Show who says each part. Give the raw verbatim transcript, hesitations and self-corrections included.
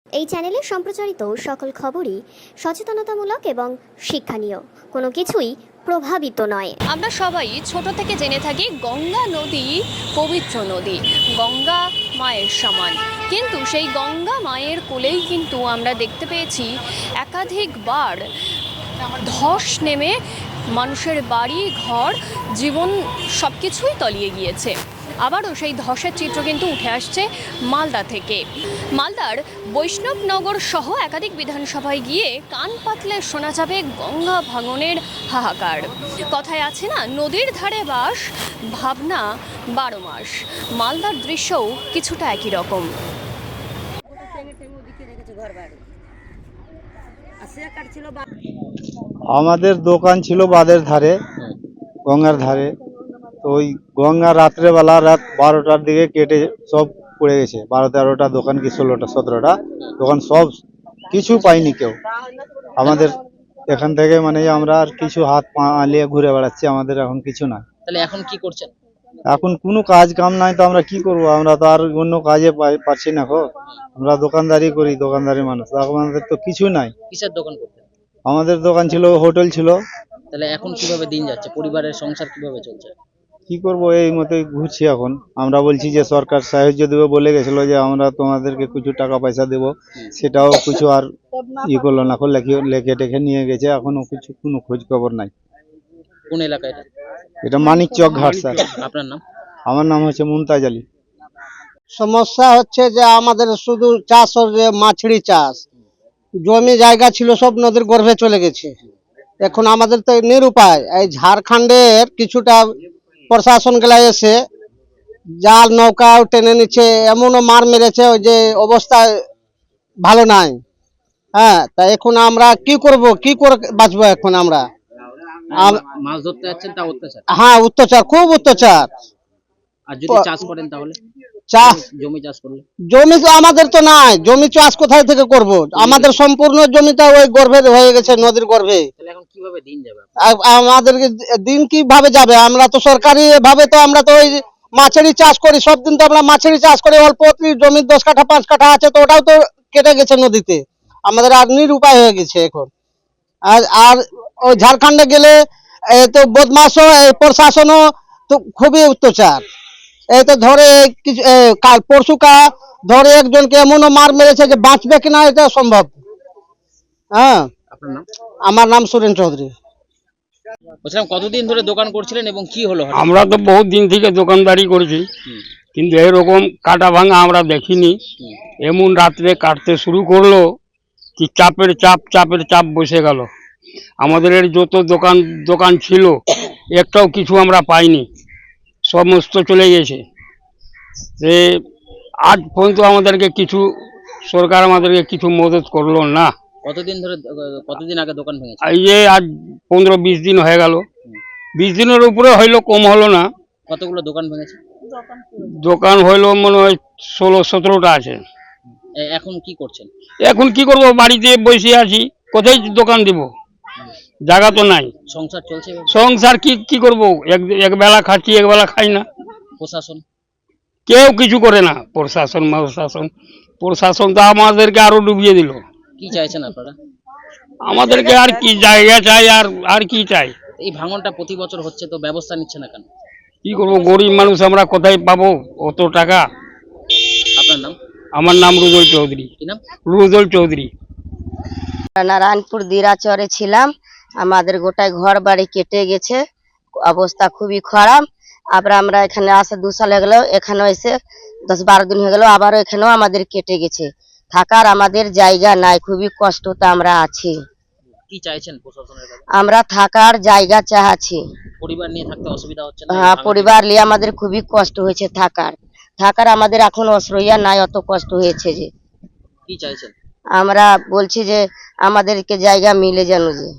Speaker 1: এই চ্যানেলে সম্প্রচারিত সকল খবরই সচেতনতামূলক এবং শিক্ষণীয়, কোনো কিছুই প্রভাবিত নয়।
Speaker 2: আমরা সবাই ছোট থেকে জেনে থাকি গঙ্গা নদী পবিত্র নদী, গঙ্গা মায়ের সমান। কিন্তু সেই গঙ্গা মায়ের কোলেই কিন্তু আমরা দেখতে পেয়েছি একাধিকবার ধস নেমে মানুষের বাড়ি ঘর জীবন সব কিছুই তলিয়ে গিয়েছে। আবারও সেই ধসের চিত্র কিন্তু উঠে আসছে মালদা থেকে। মালদার বৈষ্ণবনগর সহ একাধিক বিধানসভায় গিয়ে কান পাতলে শোনা যাবে গঙ্গা ভাঙনের হাহাকার। কথায় আছে না, নদীর ধারে বাস, ভাবনা বারো মাস। মালদার দৃশ্যও কিছুটা একই রকম।
Speaker 3: আমাদের দোকান ছিল বাঁধের ধারে, গঙ্গার ধারে। তো ওই গঙ্গা রাত্রেবেলা রাত বারোটার দিকে কেটে সব পড়ে গেছে। বারো তেরোটা দোকান কি ষোলোটা সতেরোটা দোকান সব কিছু পাইনি কেউ। আমাদের এখান থেকে মানে আমরা আর কিছু হাত পা আলিয়ে ঘুরে বেড়াচ্ছি, আমাদের এখন কিছু নাই।
Speaker 4: তাহলে এখন কি করছেন?
Speaker 3: এখন কোনো কাজ কাম নাই, তো আমরা কি করব? আমরা তো আর অন্য কাজে পারছি না। গো, আমরা দোকানদারি করি, দোকানদারি মানুষ, আমাদের তো কিছু নাই।
Speaker 4: কিসের দোকান করতেন?
Speaker 3: আমাদের দোকান ছিল, হোটেল ছিল।
Speaker 4: তাহলে এখন কিভাবে দিন যাচ্ছে? পরিবারের সংসার কিভাবে চলছে?
Speaker 3: কি করব, এই মতোই ঘুরছি এখন। আমরা বলছি যে সরকার সাহায্য দেবে বলে গেছিল, যে আমরা তোমাদেরকে কিছু টাকা পয়সা দেব, সেটাও কিছু আর ই করলো না। লেখে টেখে নিয়ে গেছে, এখনো কিছু কোনো খোঁজ খবর নাই।
Speaker 4: কোন এলাকা এটা?
Speaker 3: এটা মানিক চক ঘাট স্যার।
Speaker 4: আপনার নাম?
Speaker 3: আমার নাম হচ্ছে মুমতাজ আলী।
Speaker 5: সমস্যা হচ্ছে যে আমাদের শুধু চাষ, যে মাছড়ি চাষ, জমি জায়গা ছিল সব নদীর গর্ভে চলে গেছে। এখন আমাদের তো নিরুপায়। এই ঝাড়খণ্ডের কিছুটা প্রশাসন গুলা এসে জাল নৌকাও টেনে নিচ্ছে, এমনও মার মেরেছে ওই যে অবস্থা ভালো নাই। হ্যাঁ, তা এখন আমরা কি করব, কি করে বাঁচবো এখন আমরা?
Speaker 4: মাছ ধরতে যাচ্ছেন তা অত্যাচার?
Speaker 5: হ্যাঁ, অত্যাচার, খুব অত্যাচার।
Speaker 4: আর যদি চাষ করেন তাহলে?
Speaker 5: চাষ,
Speaker 4: জমি চাষ করলে?
Speaker 5: জমি তো আমাদের তো নাই, জমি চাষ কোথায় থেকে করব? আমাদের সম্পূর্ণ জমিটা ওই গর্ভে হয়ে গেছে, নদীর গর্ভে।
Speaker 4: তাহলে এখন কিভাবে দিন যাবে?
Speaker 5: আমাদের দিন কিভাবে যাবে? আমরা তো সরকারি ভাবে তো আমরা তো ওই মাছেরই চাষ করি, সব দিন তো আমরা মাছেরই চাষ করি। অল্প জমি দশ কাঠা পাঁচ কাঠা আছে, তো ওটাও তো কেটে গেছে নদীতে। আমাদের আর নিরুপায় হয়ে গেছে এখন। আর আর ওই ঝাড়খণ্ডে গেলে তো বদমাশও, প্রশাসনও তো খুবই অত্যাচার। এই তো ধরে কিছু কাল পরশু কা ধরে একজনকে এমনও মার মেরেছে যে বাঁচবে কিনা এটা সম্ভব। হ্যাঁ,
Speaker 4: আপনার নাম?
Speaker 5: আমার নাম সুরেন চৌধুরী।
Speaker 4: বলছিলাম কতদিন ধরে দোকান করছিলেন এবং কি হলো?
Speaker 6: আমরা তো বহুত দিন থেকে দোকানদারি করেছি, কিন্তু এরকম কাটা ভাঙা আমরা দেখিনি। এমন রাত্রে কাটতে শুরু করলো কি চাপের চাপ চাপের চাপ বসে গেল। আমাদের এর যত দোকান দোকান ছিল একটাও কিছু আমরা পাইনি, সমস্ত চলে গেছে। যে আজ পর্যন্ত আমাদেরকে কিছু সরকার আমাদেরকে কিছু মদত করলো না।
Speaker 4: কতদিন ধরে, কতদিন আগে দোকান ভেঙেছে?
Speaker 6: এই যে আজ পনেরো বিশ দিন হয়ে গেল। বিশ দিনের উপরে হইলো, কম হলো না।
Speaker 4: কতগুলো দোকান ভেঙেছে?
Speaker 6: দোকান হইলো মনে হয় ষোলো সতেরোটা আছে।
Speaker 4: এখন কি করছেন?
Speaker 6: এখন কি করব, বাড়িতে বসে আছি, কোথায় দোকান দিব, জায়গা তো নাই।
Speaker 4: সংসার চলছে?
Speaker 6: সংসার কি কি করব, এক এক বেলা খাচ্ছি, এক বেলা খাই না।
Speaker 4: প্রশাসন
Speaker 6: কেউ কিছু করে না। প্রশাসন প্রশাসন প্রশাসন তো আমাদেরকে আরো ডুবিয়ে দিল।
Speaker 4: কি চাইছেন আপনারা?
Speaker 6: আমাদেরকে আর কি জায়গা চাই, আর আর কি চাই?
Speaker 4: এই ভাঙনটা প্রতি বছর হচ্ছে, তো ব্যবস্থা নিচ্ছে না কেন?
Speaker 6: কি করব, গরিব মানুষ আমরা, কোথায় পাবো অত টাকা?
Speaker 4: আপনার নাম?
Speaker 6: আমার নাম রুজল চৌধুরী।
Speaker 4: কি নাম?
Speaker 6: রুজল চৌধুরী।
Speaker 7: নারায়ণপুর দিরাচরে ছিলাম, আমাদের গোটায় ঘর বাড়ি কেটে গেছে, অবস্থা খুবই খারাপ। আবার আমরা এখানে আসে দু সাল হয়ে গেল, এখানেও এসে দশ বারো দিন হয়ে গেল, আবারও এখানেও আমাদের কেটে গেছে। থাকার আমাদের জায়গা নাই, খুবই কষ্টতে আমরা আছি।
Speaker 4: কি চাইছেন প্রশাসনের কাছে?
Speaker 7: আমরা থাকার জায়গা চাচ্ছি।
Speaker 4: পরিবার নিয়ে থাকতে অসুবিধা হচ্ছে না?
Speaker 7: হ্যাঁ, পরিবার নিয়ে আমাদের খুবই কষ্ট হয়েছে। থাকার থাকার আমাদের এখন আশ্রয় নাই, অত কষ্ট হয়েছে যে।
Speaker 4: কি চাইছেন?
Speaker 7: আমরা বলছি যে আমাদেরকে জায়গা মিলে যেন যে।